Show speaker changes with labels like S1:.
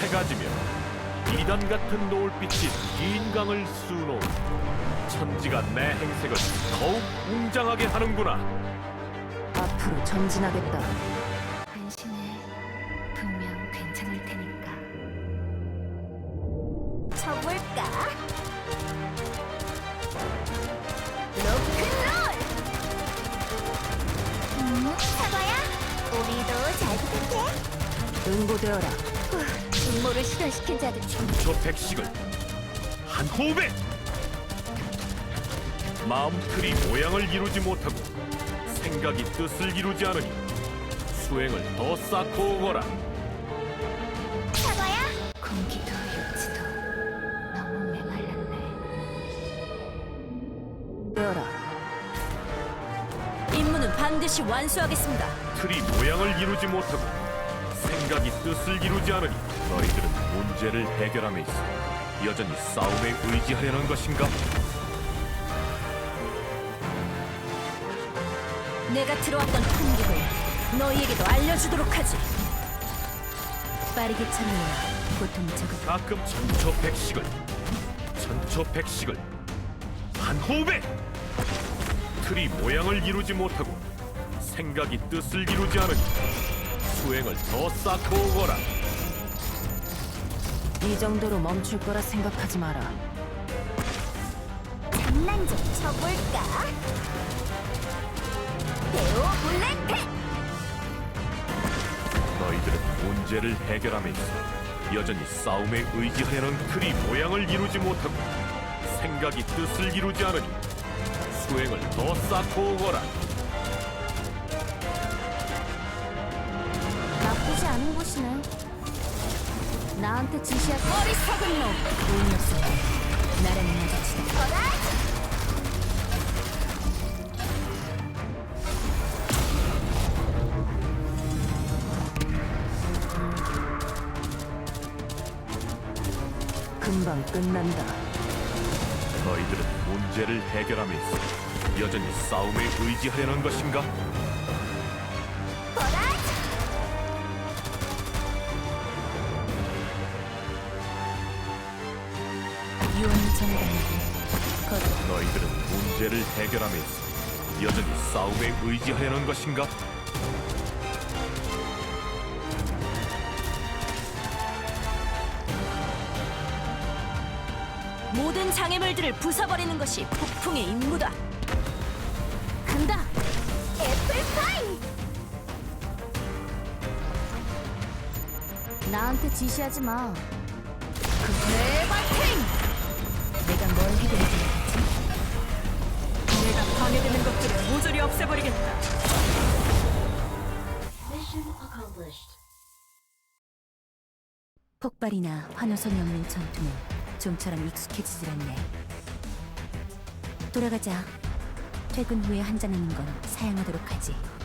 S1: 가지며 이단 같은 노을빛이 긴 강을 수놓은 천지가 내 행색을 더욱 웅장하게 하는구나.
S2: 앞으로 전진하겠다.
S3: 안심해. 분명 괜찮을 테니까. 쳐볼까? 로큰롤! 사과야? 우리도 잘 부탁해.
S2: 응고되어라.
S3: 음모를 실현시킨 자들
S1: 저 백식을 한 호흡에 마음 틀이 모양을 이루지 못하고 생각이 뜻을 이루지 않으니 수행을 더 쌓고 오거라.
S3: 사과야? 공기도 육지도 너무 메말랐네.
S2: 되어라.
S4: 임무는 반드시 완수하겠습니다.
S1: 틀이 모양을 이루지 못하고 생각이 뜻을 이루지 않으니 너희들은 문제를 해결함에 있어 여전히 싸움에 의지하려는 것인가?
S4: 내가 들어왔던 풍경을 너희에게도 알려주도록 하지. 빠르게 참여해야 고통이 적을.
S1: 가끔 천초백식을 한 호흡에 틀이 모양을 이루지 못하고 생각이 뜻을 이루지 않으니 수행을 더 쌓고 오거라.
S2: 이 정도로 멈출 거라 생각하지 마라.
S3: 장난 좀 쳐볼까? 대오 블랙팩!
S1: 너희들은 문제를 해결함에 있어 여전히 싸움에 의지하려는 틀이 모양을 이루지 못하고 생각이 뜻을 이루지 않으니 수행을 더 쌓고 오거라.
S3: 나쁘지 않은 곳이네. 나한테 지시할
S4: 어리석은 놈! 운이 없어. 나랑 마주치다.
S3: 거라!
S2: 금방 끝난다.
S1: 너희들은 문제를 해결함에 있어 여전히 싸움에 의지하려는 것인가?
S4: 유언을 전해달라고.
S1: 너희들은 문제를 해결함에 있어 여전히 싸움에 의지하려는 것인가?
S4: 모든 장애물들을 부숴버리는 것이 폭풍의 임무다.
S3: 간다! 애플파이! 나한테 지시하지 마.
S4: 대발탱! 내가 뭘 해결해줘야 하지? 내가 방해되는 것들을 모조리 없애버리겠다. 폭발이나 환호성이 없는 전투는 좀처럼 익숙해지질 않네. 돌아가자. 퇴근 후에 한잔하는 건 사양하도록 하지.